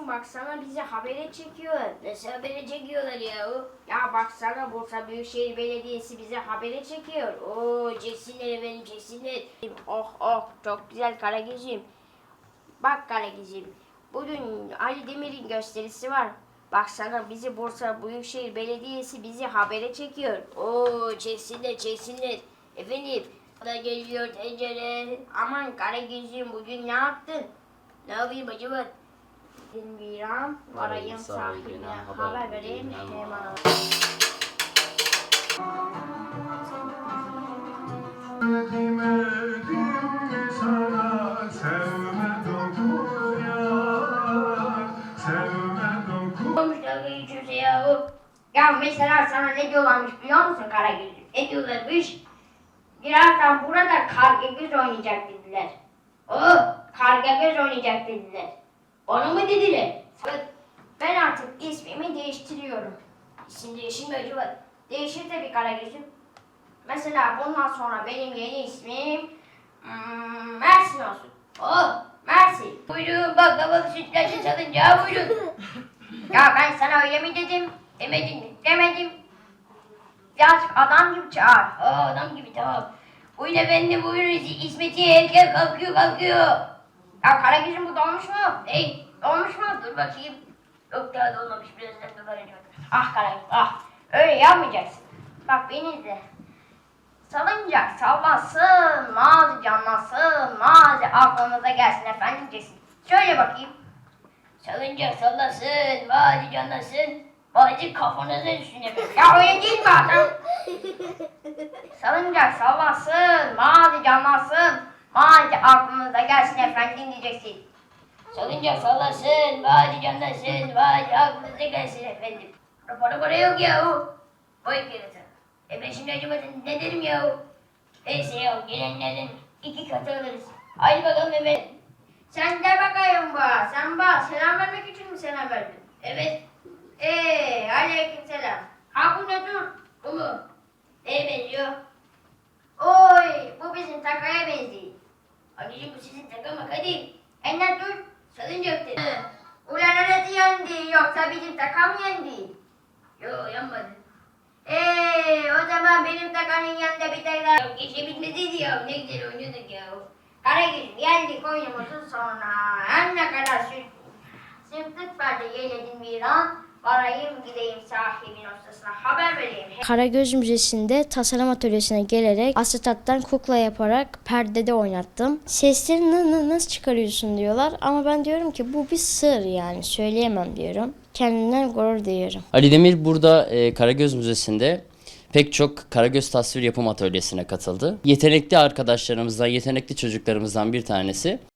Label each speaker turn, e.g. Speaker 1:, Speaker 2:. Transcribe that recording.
Speaker 1: baksana bizi habere çekiyor. Nasıl habere çekiyorlar ya? Ya baksana Bursa Büyükşehir Belediyesi bizi habere çekiyor. Oo çeksinler efendim çeksinler. Oh oh çok güzel Karagöz'üm. Bak Karagöz'üm. Bugün Ali Demir'in gösterisi var. Baksana bizi Bursa Büyükşehir Belediyesi bizi habere çekiyor. Oo çeksinler çeksinler. Efendim da geliyor tencere. Aman Karagöz'üm bugün ne yaptın? Ne yapayım acaba? Bilmiyorum. Varayım sahibine haber vereyim hemen. Olmuş dalga geçiyorsa yahu. Ya mesela sana ne diyorlarmış biliyor musun Karagöz'üm? Ne diyorlarmış? Birazdan burada Karagöz oynayacak dediler. Karagöz oynayacak dediler. Onu mu dediler? Ben artık ismimi değiştiriyorum. İsim değişir mi acaba? Değişir tabii Karagöz'üm. Mesela bundan sonra benim yeni ismim Mersin olsun. Mersin. Buyurun baklavalı sütlaçlı salıncağı buyurun. Ya ben sana öyle mi dedim? Demedim. Birazcık adam gibi çağır. Adam gibi tamam. Buyurun efendim buyurun İsmet'i erken kalkıyor. Ya Karagöz'üm bu dolmuş mu? Dolmuş mu? Dur bakayım. Yok daha dolmamış birazdan dolanacak. Ah Karagöz ah. Öyle yapmayacaksın. Bak beni izle. Salıncak sallasın, mazi canlasın, mazi aklınıza gelsin efendim diyeceksin. Şöyle bakayım. Salıncak sallasın, mazi canlasın, mazi kafanıza düşsün efendim. Ya öyle değil mi adam? Salıncak sallasın, mazi canlasın, mazi aklınıza gelsin efendim diyeceksin. Salıncak sallasın, mazi canlasın, mazi aklınıza gelsin efendim. Para yok yahu. Boy kerata. Ben şimdi acaba ne derim yahu? Neyse yahu gelenlerden 2 katı alırız. Haydi bakalım Mehmet. Sen de bakayım bana. Sen bana selam vermek için mi selam verdin? Evet. Aleyküm selam. Ha bu ne dur? Bu mu? Neye benziyor? Oy bu bizim takaya benziyor. Anneciğim bu sizin taka mı hadi? Ne dur? Salıncak dedi. Ulan neresi yendi yoksa bizim taka mı yendi? Yo yanmadı. O zaman benim takanın yanında bir tane daha geçebilmesiydi ya. Ne güzel oynuyorduk ya. Karagöz'üm geldik oyunumuzun sonuna. Her ne kadar sırtlık vardı yeğledim bir an. Varayım gideyim sahibin ustasına haber vereyim.
Speaker 2: Karagöz Müzesi'nde tasarım atölyesine gelerek asetattan kukla yaparak perdede oynattım. Sesleri nasıl çıkarıyorsun diyorlar ama ben diyorum ki bu bir sır yani söyleyemem diyorum. Kendimden gurur duyuyorum.
Speaker 3: Ali Demir burada Karagöz Müzesi'nde pek çok Karagöz tasvir yapım atölyesine katıldı. Yetenekli arkadaşlarımızdan, yetenekli çocuklarımızdan bir tanesi.